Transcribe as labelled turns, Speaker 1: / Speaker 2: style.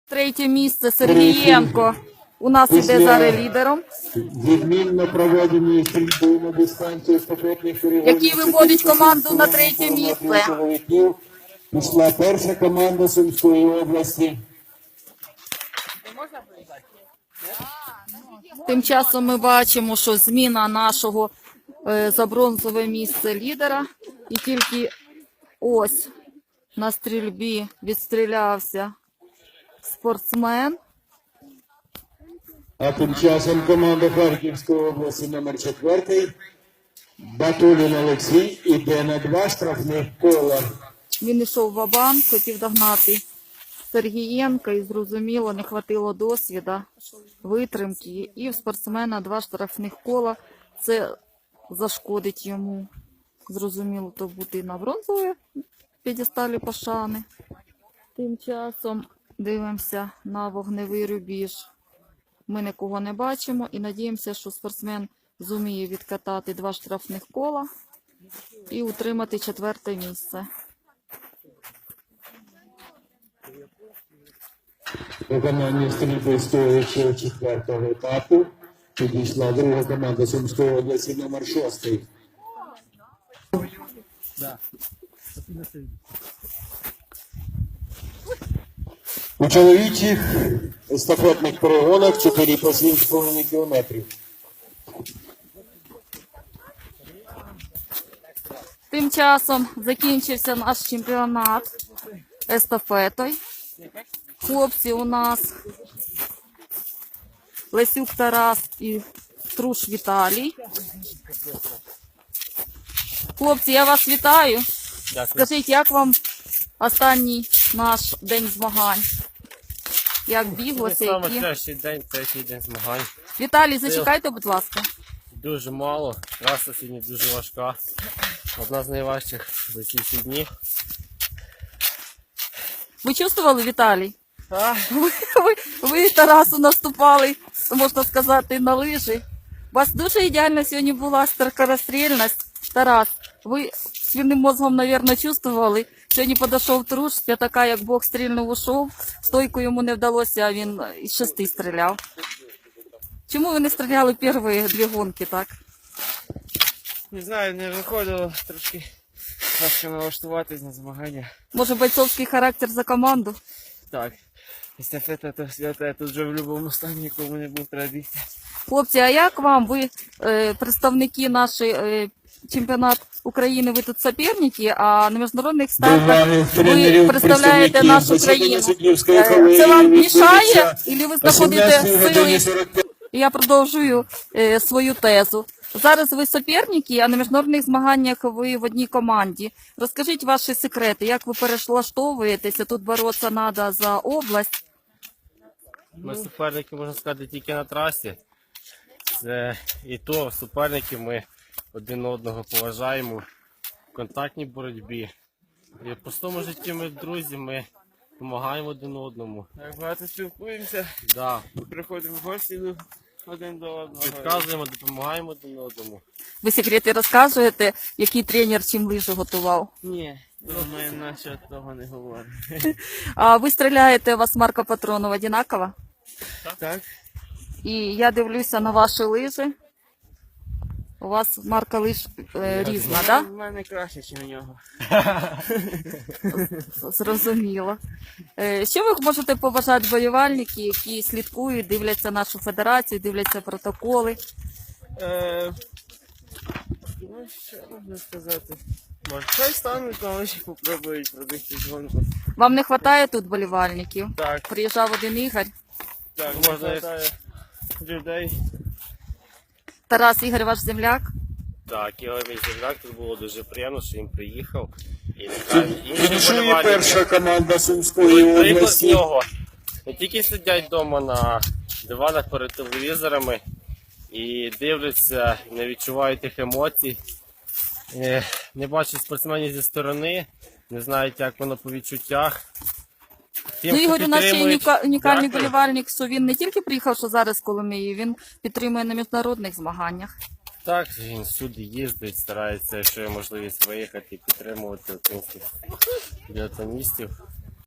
Speaker 1: Третє місце Сергієнко. У нас іде зараз лідером.
Speaker 2: Відмінно проведені стрільби на дистанцію естафетних перегонів.
Speaker 1: Який виводить команду на третє місце.
Speaker 2: Чоловіків. Пішла перша команда Сумської області.
Speaker 1: Тим часом ми бачимо, що зміна нашого за бронзове місце лідера. І тільки ось на стрільбі відстрілявся спортсмен.
Speaker 2: А тим часом команда Харківської області номер 4 Батулін Олексій іде на 2 штрафних кола.
Speaker 1: Він йшов ва-банк, хотів догнати Сергієнка і, зрозуміло, не хватило досвіду, витримки. І в спортсмена 2 штрафних кола. Це зашкодить йому. Зрозуміло, то бути на бронзовій п'єдесталі пошани. Тим часом дивимося на вогневий рубіж. Ми нікого не бачимо і надіємося, що спортсмен зуміє відкатати 2 штрафних кола і утримати 4-те місце.
Speaker 2: Виконання стрільби стоячого 4-го етапу підійшла друга команда Сумської області номер 6. У чоловічих естафетних перегонах 4 по 7,5 кілометрів.
Speaker 1: Тим часом закінчився наш чемпіонат естафетою. Хлопці у нас Лесюк Тарас і Труш Віталій. Хлопці, я вас вітаю.
Speaker 3: Дякую.
Speaker 1: Скажіть, як вам останній наш день змагань? Як біглося?
Speaker 3: Саме
Speaker 1: Які?
Speaker 3: кращий день, третій день змагань.
Speaker 1: Віталій, зачекайте, будь ласка.
Speaker 3: Дуже мало, траса сьогодні дуже важка. Одна з найважчих за ці всі дні.
Speaker 1: Ви чувствували, Віталій? Ви Тарасу наступали, можна сказати, на лижі. У вас дуже ідеальна сьогодні була скорострільність. Тарас, ви свиним мозгом, мабуть, чувствували. Сьогодні підійшов Труш, я така, як Бог стрільнув, ушов. Стойку йому не вдалося, а він із 6 стріляв. Чому ви не стріляли перші 2 гонки, так?
Speaker 4: Не знаю, не виходило трошки важко налаштуватись на змагання.
Speaker 1: Може, бойцовський характер за команду?
Speaker 4: Так, естафета то свята, я тут вже в будь-якому стані, якому не був треба бігти.
Speaker 1: Хлопці, а як вам? Ви представники нашої чемпіонат України, ви тут суперники, а на міжнародних стартах ви представляєте нашу країну. Це вам мішає, або ви знаходите сили? Я продовжую свою тезу. Зараз ви суперники, а на міжнародних змаганнях ви в одній команді. Розкажіть ваші секрети, як ви перелаштовуєтеся, тут боротися треба за область.
Speaker 3: Ми суперники, можна сказати, тільки на трасі. Це і то суперники ми один одного поважаємо в контактній боротьбі. І в простому житті ми друзі, ми допомагаємо один одному.
Speaker 4: Так багато спілкуємося,
Speaker 3: Да.
Speaker 4: приходимо в гості один до одного.
Speaker 3: Підказуємо, допомагаємо один одному.
Speaker 1: Ви секрети розказуєте, який тренер чим лижі готував.
Speaker 4: Ні, ми наче того не говоримо.
Speaker 1: А ви стріляєте, у вас марка патронів одинакова?
Speaker 4: Так?
Speaker 1: І я дивлюся на ваші лижі. У вас марка лиж різна, так? Да?
Speaker 4: В мене краще, ніж у нього.
Speaker 1: Зрозуміло. Що ви можете побажати болівальники, які слідкують, дивляться нашу федерацію, дивляться протоколи?
Speaker 4: Ну, що можна сказати? Може, хай стануть, але ще попробують пробігти гонку.
Speaker 1: Вам не вистачає тут болівальників?
Speaker 4: Так,
Speaker 1: Приїжджав один Ігор.
Speaker 4: так,
Speaker 3: Можна
Speaker 4: можна хватає людей.
Speaker 1: Тарас, Ігор, ваш земляк?
Speaker 3: Так, Ігор мій земляк, тут було дуже приємно, що він приїхав. І нехай інші
Speaker 2: Фінішує
Speaker 3: вболівальники
Speaker 2: перша команда Сумської
Speaker 3: приклад з
Speaker 2: області.
Speaker 3: нього. Не тільки сидять вдома на диванах перед телевізорами і дивляться, не відчувають тих емоцій, не бачать спортсменів зі сторони, не знають, як воно по відчуттях. Тим,
Speaker 1: Ну, Ігор у нас ще
Speaker 3: підтримують,
Speaker 1: унікальний
Speaker 3: дякую.
Speaker 1: болівальник, що він не тільки приїхав, що зараз з Коломиї, він підтримує на міжнародних змаганнях.
Speaker 3: Так, він всюди їздить, старається, якщо є можливість виїхати і підтримувати українських біатлоністів.